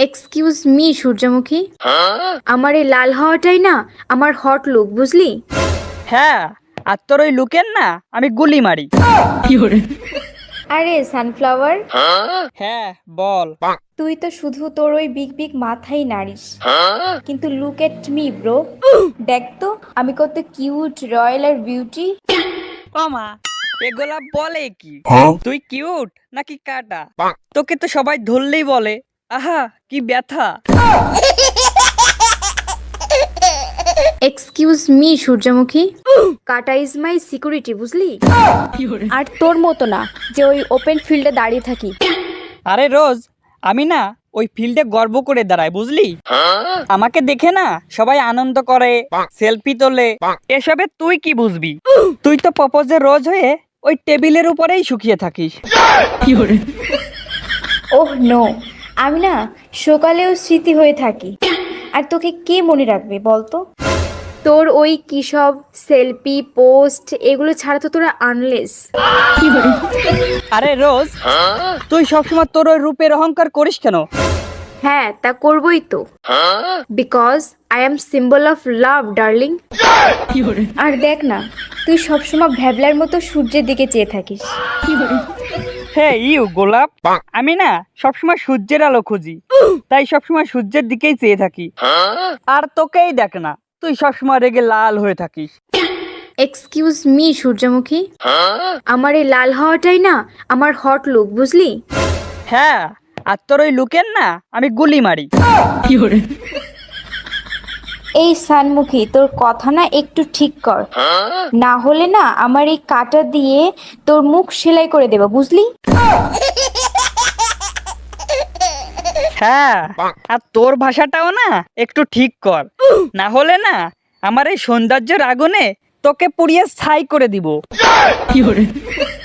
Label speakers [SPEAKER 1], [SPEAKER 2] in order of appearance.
[SPEAKER 1] Excuse me সূর্যমুখী, আমার এই লাল হওয়াটাই না আমার হট লুক, বুঝলি?
[SPEAKER 2] হ্যাঁ, আর তোর ওই লুকের না আমি গুলি মারি।
[SPEAKER 1] আরে সানফ্লাওয়ার,
[SPEAKER 2] হ্যাঁ বল।
[SPEAKER 1] তুই তো শুধু তোর ওই বিগ বিগ মাথাই নাড়িস, কিন্তু লুক এট মি ব্রো, দেখ তো আমি কত কিউট, রয়্যাল আর বিউটি।
[SPEAKER 2] ও মা, এগুলা বলে কি? তুই কিউট নাকি কাটা? তোকে তো সবাই ধরলেই বলে আহা কি ব্যথা।
[SPEAKER 1] এক্সকিউজ মি সূর্যমুখী, কাটা ইজ মাই সিকিউরিটি, বুঝলি? আর তোর মতো না যে ওই ওপেন ফিল্ডে দাঁড়িয়ে থাকি।
[SPEAKER 2] আরে রোজ, আমি না ওই ফিল্ডে গর্ব করে দাঁড়াই, বুঝলি? আমাকে দেখে না সবাই আনন্দ করে, সেলফি তোলে। এসবে তুই কি বুঝবি? তুই তো প্রপোজে রোজ হয়ে ওই টেবিলের উপরেই শুকিয়ে থাকিস।
[SPEAKER 1] ওহ নো, আমি না সকালেও স্মৃতি হয়ে থাকি। আর তোকে কে মনে রাখবে বলতো? তোর ওই কি সব সেলফি পোস্ট এগুলো ছাড়া তো তোরা আনলেস।
[SPEAKER 2] আরে রোজ, তুই সবসময় তোর ওই রূপের অহংকার করিস কেন?
[SPEAKER 1] হ্যাঁ, তা করবই তো, because I am symbol of love darling. আর দেখ না, তুই সবসময় ভ্যাবলার মতো সূর্যের দিকে চেয়ে থাকিস।
[SPEAKER 2] হ্যাঁ ইউ গোলাপ, আমি না সবসময় সূর্যের আলো খুঁজি, তাই সবসময় সূর্যের দিকেই চেয়ে থাকি। আর তোকেই দেখ না, তুই সবসময় রেগে লাল হয়ে থাকিস।
[SPEAKER 1] এক্সকিউজ মি সূর্যমুখী, আমার এই লাল হওয়াটাই না আমার হট লুক, বুঝলি?
[SPEAKER 2] হ্যাঁ, আর তোর ওই লুকের না আমি গুলি মারি।
[SPEAKER 1] এই সানমুখী, তোর কথা না একটু ঠিক কর, না হলে না আমার এই কাঁটা দিয়ে তোর মুখ সেলাই করে দেবো, বুঝলি?
[SPEAKER 2] হ্যাঁ, আর তোর ভাষাটাও না একটু ঠিক কর, না হলে না আমার এই সৌন্দর্যের আগুনে তোকে পুড়িয়ে ছাই করে দিব।